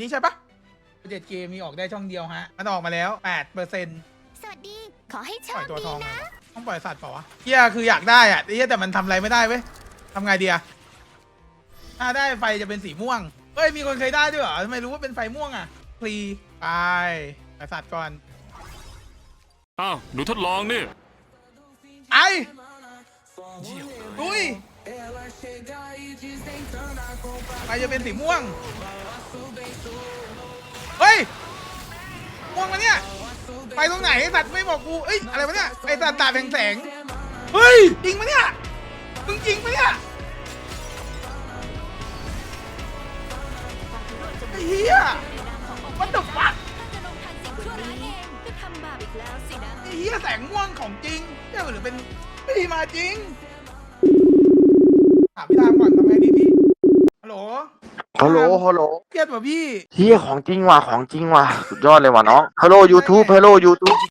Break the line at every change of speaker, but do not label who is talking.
นี้ใช่ปะ7 เกมมีออกได้ช่องเดียวฮะมันออกมาแล้ว 8%
สวัสดี ขอให้โช
ปล่อ
ค
ยตัว
ดี
ทอง
นะ
ต้องปล่อยสัตว์เปล่าวะเฮียคืออยากได้อะเฮียแต่มันทำอะไรไม่ได้เว้ยทำไงดีอะถ้าได้ไฟจะเป็นสีม่วงเฮ้ยมีคนเคยได้ด้วยเหรอทำไมรู้ว่าเป็นไฟม่วงอะพลีไปปล่อยสัตว์ก่อน
อ้าวหนูทดลองนี่
ไอ้ดุยไฟจะเป็นสีม่วงเฮ้ยม่วงมาเนี่ยไปตรงไหนสัตว์ไม่บอกกูเอ้ยอะไรวะเนี่ยไอ้สัตว์ตาแสงเฮ้ยจริงปะเนี่ยมึงจริงปะเนี่ยไอ้เหี้ยมันตกปัก
จะลงทันสิ่งชั่วร้ายเองก็ทำบาปอีกแล้วสินะ
ไอ้เหี้ยแสงม่วงของจริงเนี่ยหรือเป็นพี่มาจริงถามพี่ทามก่อนทำไงดีพี่ฮัลโหล
ฮัลโหลฮัลโหล
เครียดป่ะพี่
เฮียของจริงว่ะของจริงว่ะสุดยอดเลยว่ะน้องฮัลโหลยูทูบฮัลโหลยูทูบ